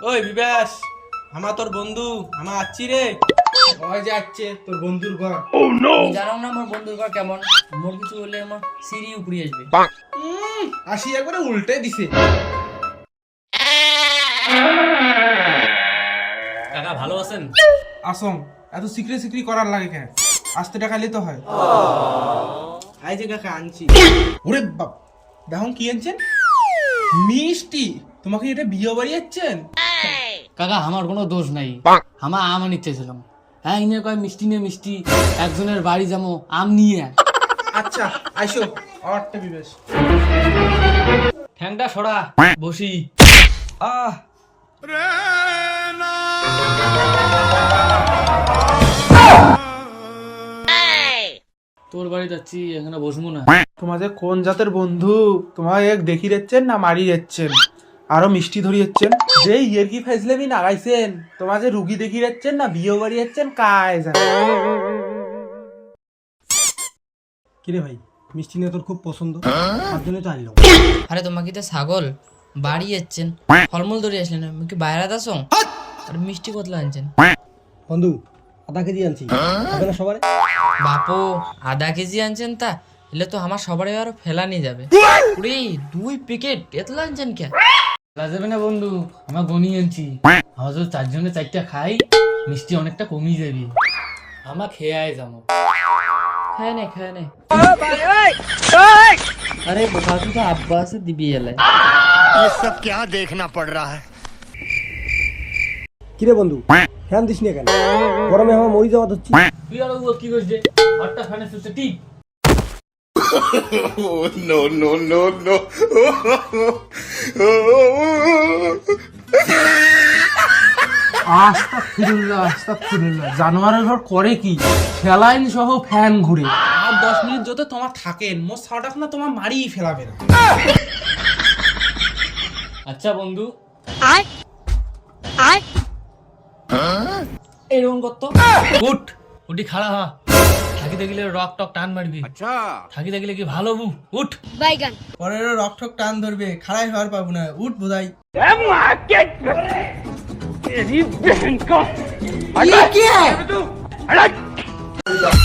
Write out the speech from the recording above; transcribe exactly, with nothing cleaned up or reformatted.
ওই বিবেশ, আমার তোর বন্ধু আমার আছি রে। ওই যে আসছে তোর বন্ধুর ঘর। জানো না আমার বন্ধুর ঘর কেমন, মোর কিছু হলে আমার সিঁড়ি উপরে আসবে। উম, আসি একবারে উল্টে দিছে। কাকা ভালো আছেন? আসং এত সিক্রে সিক্রি করার লাগে কেন? আসতে টাকালে তো হয়। আই যে কাকা আনছি। ওরে বাপ, দেখুন কি আনছেন? মিষ্টি। তোমাকে এটা বিয়ে বাড়ি যাচ্ছেন? কাকা আমার কোনো দোষ নাই, আমার আম আনিতে ছিলাম। হ্যাঁ ইনে কয় মিষ্টি নিয়ে মিষ্টি, একজনের বাড়ি যাবো আম নিয়ে। আচ্ছা আইসো আমারটা বিবেশ। ঠ্যাংটা সরা বসি। আহ তোর বাড়ি যাচ্ছি, এখানে বসবো না। তোমাদের কোন জাতের বন্ধু? তোমার এক দেখি যাচ্ছেন না মারি যাচ্ছেন? আরো মিষ্টি ধরি যাচ্ছেন? যে ইয়েরকি ফাইজলামি নাগাইছেন, তোমার যে রুগী দেখি যাচ্ছেন না বিয়ে বাড়ি যাচ্ছেন কায় জানে। কিরে ভাই, মিষ্টি নিয়ে তোর খুব পছন্দ, তার জন্য তো আনলাম। আরে তোমাকে তো ছাগল বাড়ি যাচ্ছেন, ফলমূল ধরে আসলেন, আমি কি বাইরে আসো? আর মিষ্টি কতলা আনছেন? বন্ধু আধা কেজি আনছি, হবে না সবার? বাপু আধা কেজি আনছেন, তা এলে তো আমার সবারই আরো ফেলা নিয়ে যাবে। উরে দুই প্যাকেট এতলা আনছেন কে? ফেলা যাবে না বন্ধু, আমার গনি আনছি। আমার যদি চারজনে চারটা খাই মিষ্টি অনেকটা কমিয়ে যাবে। আমার খেয়ে আয় যাবো। খায় নে খায় নে। আরে বোকা তুই তো আব্বা আছে দিবি এলে। ये सब क्या देखना पड़ रहा है। কিরে বন্ধু, ফ্যান দিস না কেন? গরমে আমার মরি যাওয়া হচ্ছে। তুই আর ও কি করছে? হটটা ফ্যানে সুতে ঠিক। No no no no. আস্তাগফিরুল্লাহ আস্তাগফিরুল্লাহ। জানোয়ারের ঘর করে কি? ফেলাইন সহ ফ্যান ঘুরে। আর দশ মিনিট যত তোমার থাকেন মোর সাটাক না তোমার মারিই ফেলাবে না। আচ্ছা বন্ধু এরকম করতো উঠ উঠি খাড়া হ। থাকি দেখলে রক টক টান মারবি। আচ্ছা থাকি দেখলে কি ভালো বু উঠ। পরে রক ঠক টান ধরবে, খাড়াই হওয়ার পাবো না। উঠ বোধাই। तेरी बहन का